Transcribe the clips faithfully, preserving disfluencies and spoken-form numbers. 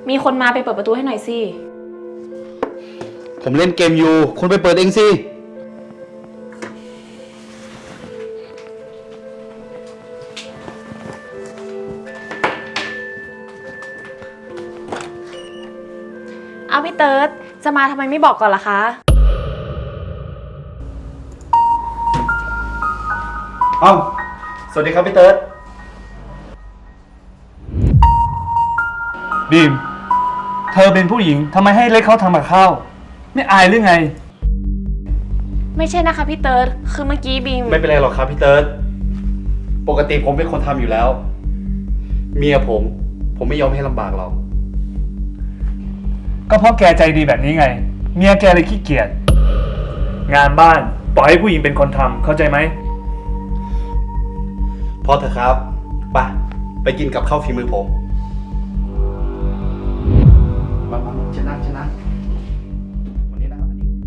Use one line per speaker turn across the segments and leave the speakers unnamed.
มีคนมาไปเปิดประตูให้หน่อยสิ
ผมเล่นเกมอยู่คุณไปเปิดเองสิ
เอาพี่เติร์ดจะมาทำไมไม่บอกก่อนล่ะคะ
อ้าวสวัสดีครับพี่เติร์ด
บีมเธอเป็นผู้หญิงทำไมให้เล็กเขาทำกับข้าวไม่อายหรือไง
ไม่ใช่นะคะพี่เติร์ดคือเมื่อกี้บีม
ไม่เป็นไรหรอกครับพี่เติร์ดปกติผมเป็นคนทำอยู่แล้วเมียผมผมไม่ยอมให้ลำบากหรอก
ก็เพราะแกใจดีแบบนี้ไงเมียแกเลยขี้เกียจงานบ้านปล่อยให้ผู้หญิงเป็นคนทำเข้าใจไหม
พอเถอะครับไปไปกินกับข้าวฝีมือผมมามาชนะชนะวันนี้นะครับอันนี้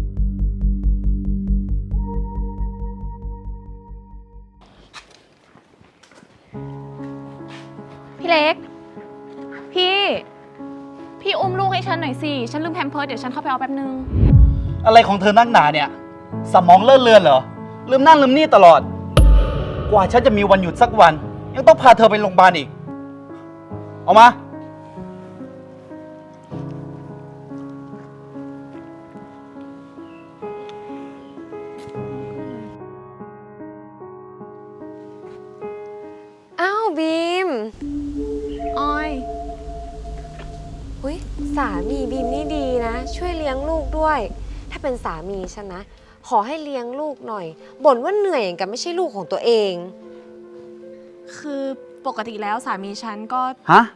พี่เล็กพี่พี่อุ้มลูกให้ฉันหน่อยสิฉันลืมแพมเพิร์สเดี๋ยวฉันเข้าไปเอาแป๊บนึง
อะไรของเธอนักหนาเนี่ยสมองเลื่อนเลือนเหรอลืมนั่นลืมนี่ตลอดกว่าฉันจะมีวันหยุดสักวันยังต้องพาเธอไปโรงพยาบาลอีกเอามา
อ้าวบีม
ออย
อุ้ยสามีบีมนี่ดีนะช่วยเลี้ยงลูกด้วยถ้าเป็นสามีฉันนะขอให้เลี้ยงลูกหน่อยบ่นว่าเหนื่อยอย่างกับไม่ใช่ลูกของตัวเอง
คือปกติแล้วสามีฉันก็
ฮะ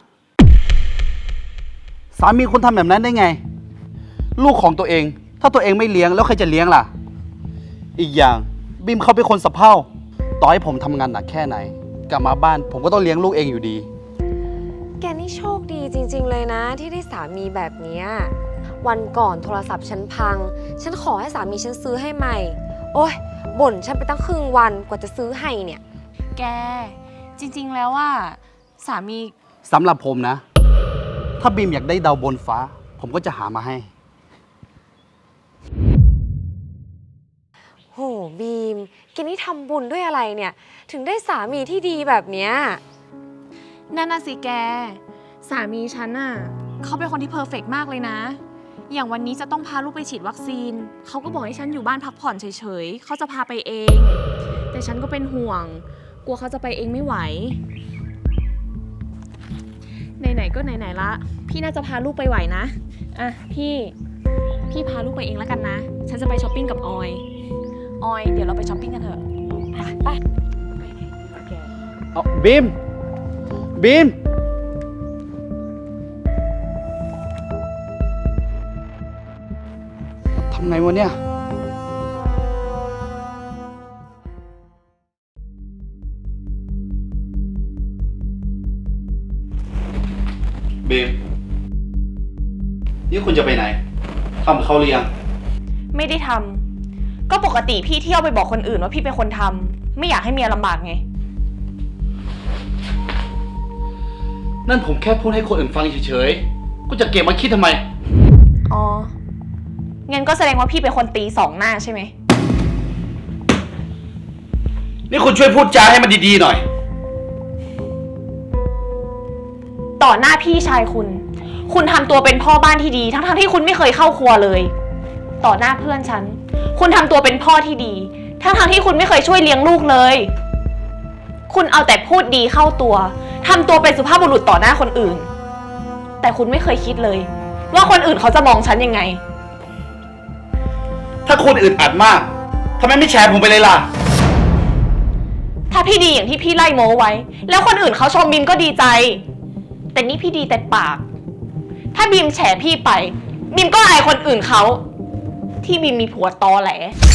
สามีคุณทำแบบนั้นได้ไงลูกของตัวเองถ้าตัวเองไม่เลี้ยงแล้วใครจะเลี้ยงล่ะอีกอย่างบีมเขาเป็นคนสะเพร่าต่อให้ผมทำงานหนักแค่ไหนกลับมาบ้านผมก็ต้องเลี้ยงลูกเองอยู่ดี
แกนี่โชคดีจริงๆเลยนะที่ได้สามีแบบนี้วันก่อนโทรศัพท์ฉันพังฉันขอให้สามีฉันซื้อให้ใหม่โอ๊ยบ่นฉันไปตั้งครึ่งวันกว่าจะซื้อให้เนี่ย
แกจริงๆแล้วว่าสามี
สำหรับผมนะถ้าบีมอยากได้ดาวบนฟ้าผมก็จะหามาให้
โหบีมแกนี่ทำบุญด้วยอะไรเนี่ยถึงได้สามีที่ดีแบบเนี้ย
นั่นน่ะสิแกสามีฉันน่ะเขาเป็นคนที่เพอร์เฟกต์มากเลยนะอย่างวันนี้จะต้องพาลูกไปฉีดวัคซีนเขาก็บอกให้ฉันอยู่บ้านพักผ่อนเฉยๆเขาจะพาไปเองแต่ฉันก็เป็นห่วงกลัวเขาจะไปเองไม่ไหวไหนๆก็ไหนๆละพี่น่าจะพาลูกไปไหวนะอ่ะพี่พี่พาลูกไปเองแล้วกันนะฉันจะไปช้อปปิ้งกับออยออยเดี๋ยวเราไปช้อปปิ้งกันเถอะไปไป
เอาบีมบีมทำไงวะเนี่ยบีมนี่คุณจะไปไหนทำเขาหรือยัง
ไม่ได้ทำก็ปกติพี่เที่ยวไปบอกคนอื่นว่าพี่เป็นคนทำไม่อยากให้เมียลำบากไง
นั่นผมแค่พูดให้คนอื่นฟังเฉยๆกูจะเก็บมาคิดทำไม
อ๋องั้นก็แสดงว่าพี่เป็นคนตีสองหน้าใช่ไหม
นี่คุณช่วยพูดจาให้มันดีๆหน่อย
ต่อหน้าพี่ชายคุณคุณทำตัวเป็นพ่อบ้านที่ดีทั้งๆที่คุณไม่เคยเข้าครัวเลยต่อหน้าเพื่อนฉันคุณทำตัวเป็นพ่อที่ดีทั้งๆที่คุณไม่เคยช่วยเลี้ยงลูกเลยคุณเอาแต่พูดดีเข้าตัวทำตัวเป็นสุภาพบุรุษต่อหน้าคนอื่นแต่คุณไม่เคยคิดเลยว่าคนอื่นเขาจะมองฉันยังไง
ถ้าคุณอึดอัดมากทำไมไม่แชร์ผมไปเลยล่ะ
ถ้าพี่ดีอย่างที่พี่ไล่โม้ไว้แล้วคนอื่นเขาชมบีมก็ดีใจแต่นี่พี่ดีแต่ปากถ้าบีมแฉพี่ไปบีมก็อายคนอื่นเขาที่บีมมีผัวตอแหล